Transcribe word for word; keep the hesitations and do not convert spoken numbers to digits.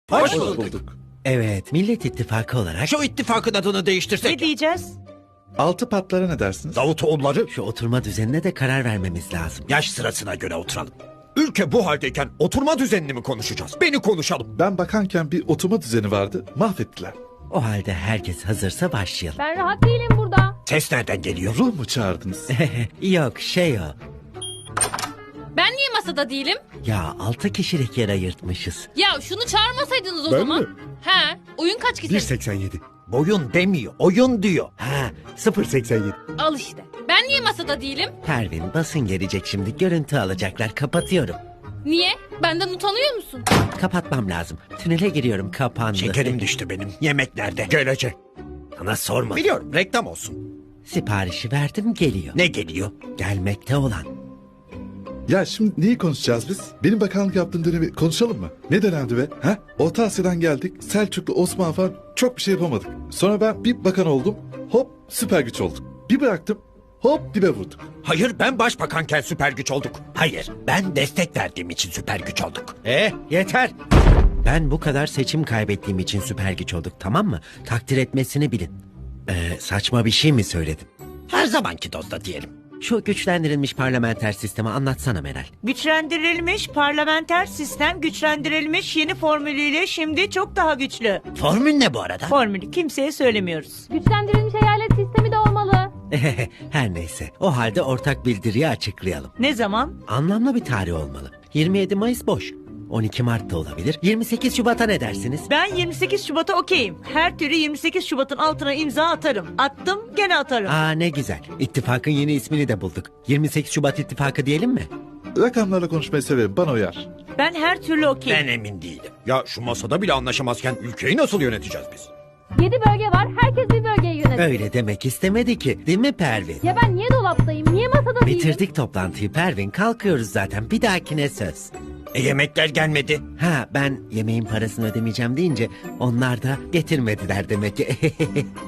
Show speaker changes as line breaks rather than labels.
Hoş bulduk.
Evet, Millet İttifakı olarak
Şu ittifakın adını değiştirsek.
Ne diyeceğiz?
Altı patlara ne dersiniz?
Davutoğulları
şu oturma düzenine de karar vermemiz lazım.
yaş sırasına göre oturalım. Ülke bu haldeyken oturma düzenini mi konuşacağız? Beni konuşalım.
Ben bakanken bir oturma düzeni vardı, mahvettiler.
O halde herkes hazırsa başlayalım.
Ben rahat değilim burada.
Ses nereden geliyor?
Ruh mu çağırdınız?
Yok şey o.
Ben niye masada değilim?
Ya altı kişilik yer ayırtmışız.
Ya şunu çağırmasaydınız o
Ben
zaman.
mi?
He, oyun kaç kişi?
bir seksen yedi.
Boyun demiyor, oyun diyor.
Ha,
sıfır seksen yedi.
Al işte. Ben niye masada değilim?
Pervin basın gelecek şimdi, görüntü alacaklar, kapatıyorum.
Niye? Benden utanıyor musun?
Kapatmam lazım. Tünele giriyorum, kapandı.
Şekerim düştü benim. Yemek nerede? Gelecek.
Sana sorma.
Biliyorum, reklam olsun.
Siparişi verdim, geliyor.
Ne geliyor?
Gelmekte olan.
Ya şimdi neyi konuşacağız biz? Benim bakanlık yaptığım dönemi konuşalım mı? Ne dönemdi be? Ha? Orta Asya'dan geldik, Selçuklu, Osmanlı falan çok bir şey yapamadık. Sonra ben bir bakan oldum, hop süper güç olduk. Bir bıraktım, hop dibe vurduk.
Hayır, ben başbakanken süper güç olduk. Hayır, ben destek verdiğim için süper güç olduk. Eh, yeter.
Ben bu kadar seçim kaybettiğim için süper güç olduk, tamam mı? Takdir etmesini bilin. Ee, saçma bir şey mi söyledim?
Her zamanki dozda diyelim.
Şu güçlendirilmiş parlamenter sistemi anlatsana Meral.
Güçlendirilmiş parlamenter sistem güçlendirilmiş yeni formülüyle şimdi çok daha güçlü.
Formül ne bu arada?
Formülü kimseye söylemiyoruz.
Güçlendirilmiş eyalet sistemi de olmalı.
Her neyse, o halde ortak bildiriyi açıklayalım.
Ne zaman?
Anlamlı bir tarih olmalı. yirmi yedi Mayıs boş. on iki Mart da olabilir. yirmi sekiz Şubat'a ne dersiniz?
Ben yirmi sekiz Şubat'a okeyim. Her türlü yirmi sekiz Şubat'ın altına imza atarım. Attım gene atarım.
Aa ne güzel. İttifakın yeni ismini de bulduk. yirmi sekiz Şubat İttifakı diyelim mi?
Rakamlarla konuşmayı severim, bana uyar.
Ben her türlü okeyim.
Ben emin değilim. Ya şu masada bile anlaşamazken ülkeyi nasıl yöneteceğiz biz?
Yedi bölge var. Herkes bir bölgeyi yönetiyor.
Öyle demek istemedi ki. Değil mi Pervin?
Ya ben niye dolaptayım? Niye masada değilim?
Bitirdik toplantıyı Pervin. Kalkıyoruz zaten. Bir dahakine söz.
E yemekler gelmedi.
Ha ben yemeğin parasını ödemeyeceğim deyince onlar da getirmediler demek ki.